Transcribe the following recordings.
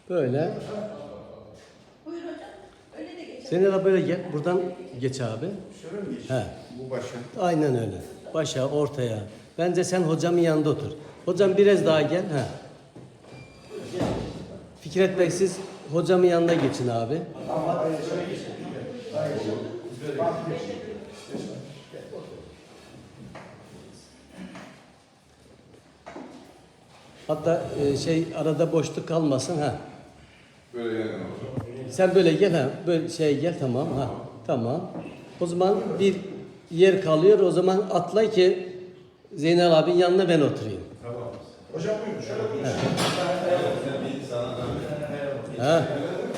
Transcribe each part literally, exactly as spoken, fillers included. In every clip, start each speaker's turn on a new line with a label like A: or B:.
A: Böyle.
B: Buyur hocam. Öyle de geçelim.
A: Senin de böyle gel. Buradan geç abi.
C: Şöyle mi geçiyor?
A: He.
C: Bu başa.
A: Aynen öyle. Başa, ortaya. Bence sen hocamın yanında otur. Hocam biraz daha gel. He. Fikret Bey siz hocamın yanına geçin abi. Hatta e, şey arada boşluk kalmasın ha.
D: Böyle yani hocam.
A: Sen böyle gel ha. Böyle şey gel tamam ha. Tamam. O zaman bir yer kalıyor. O zaman atla ki Zeynel abinin yanına ben oturayım.
C: Tamam. Hocam buyurun şöyle buyurun.
A: Ha.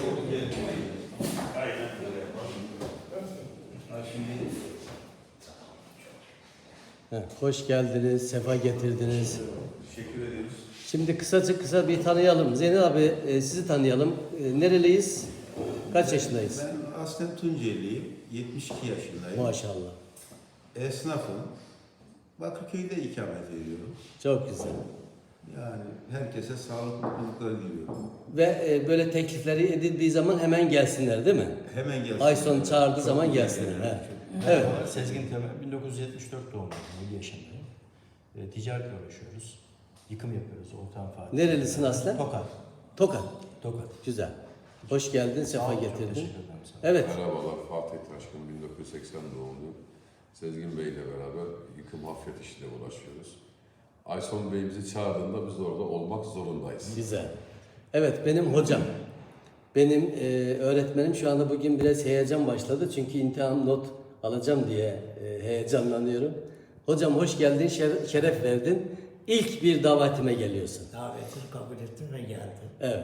A: Ha, hoş geldiniz, sefa getirdiniz.
D: Teşekkür ediyoruz.
A: Şimdi kısaca kısa bir tanıyalım. Zeynel abi e, sizi tanıyalım. E, nereliyiz? Kaç yaşındayız?
C: Ben aslen Tunceliyim. yetmiş iki yaşındayım.
A: Maşallah.
C: Esnafım. Bakırköy'de ikamet ediyorum.
A: Çok güzel.
C: Yani herkese sağlık mutluluklar diliyorum.
A: Ve e, böyle teklifleri edildiği zaman hemen gelsinler değil mi?
C: Hemen gelsin.
A: Ay sonu çağırdığı zaman gelsinler. He. Evet.
E: Sezgin Temel, bin dokuz yüz yetmiş dört doğumluyum, yedi yaşındayım. E, ticaretle uğraşıyoruz. Yıkım yapıyoruz, ortağım Fatih.
A: Nerelisin aslen?
E: Tokat.
A: Tokat.
E: Tokat.
A: Güzel. Hoş geldin,
E: Sağ
A: sefa
E: olun, çok
A: getirdin.
E: teşekkür ederim sana.
A: Evet.
D: Merhabalar, Fatih Taşkın, bin dokuz yüz seksen doğumluyum. Sezgin Bey ile beraber yıkım hafriyat işiyle uğraşıyoruz. Ayson Bey bizi çağırdığında biz orada olmak zorundayız.
A: Güzel. Evet, benim hocam. Benim e, öğretmenim şu anda bugün biraz heyecan başladı. Çünkü imtihan not alacağım diye e, heyecanlanıyorum. Hocam hoş geldin, şer- şeref verdin. İlk bir davetime geliyorsun.
F: Davetini kabul ettim ve geldim.
A: Evet.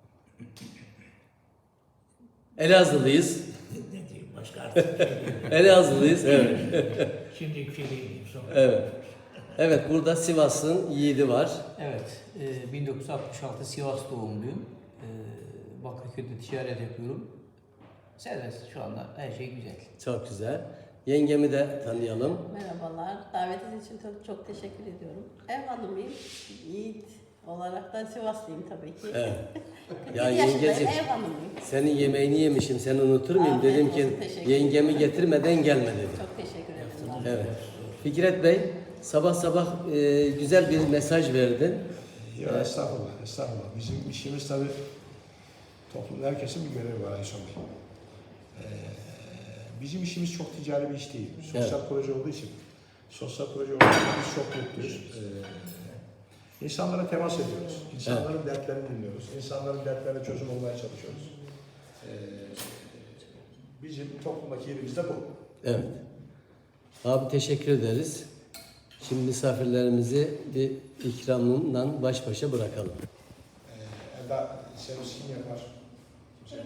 A: Elazığlıyız.
F: Ne diyeyim başka artık bir şey diyeyim.
A: Elazığlıyız. Evet.
F: Şimdi bir şey diyeyim sonra.
A: Evet. Evet, burada Sivas'ın yiğidi var.
G: Evet, e, bin dokuz yüz altmış altı Sivas doğumluyum. E, Bakırköy'de ticaret yapıyorum. Serbest şu anda, her şey güzel.
A: Çok güzel. Yengemi de tanıyalım.
B: Merhabalar. Davetiniz için çok, çok teşekkür ediyorum. Ev hanımıyım. Yiğit olarak da Sivaslıyım tabii ki.
A: Evet. Ya
B: Ya yaşındayım,
A: yengeciğim,
B: ev hanımıyım.
A: senin yemeğini yemişim, seni unutur muyum?
B: Afiyet
A: Dedim
B: olsun,
A: ki
B: teşekkür
A: yengemi getirmeden gelme dedim.
B: Çok teşekkür ederim.
A: Evet. Fikret Bey, sabah sabah e, güzel bir mesaj verdin.
H: Ya estağfurullah, estağfurullah. Bizim işimiz tabii toplumda herkesin bir görevi var Ayson Bey. Ee, bizim işimiz çok ticari bir iş değil. Sosyal
A: Evet.
H: proje olduğu için, sosyal proje olduğu için biz çok mutluyuz. Ee, insanlara temas ediyoruz. İnsanların dertlerini dinliyoruz. İnsanların dertlerine çözüm olmaya çalışıyoruz. Ee, bizim toplumdaki yerimiz de bu.
A: Evet. Abi teşekkür ederiz. Şimdi misafirlerimizi bir ikramından baş başa bırakalım.
H: Ee, Eda servisini yapar.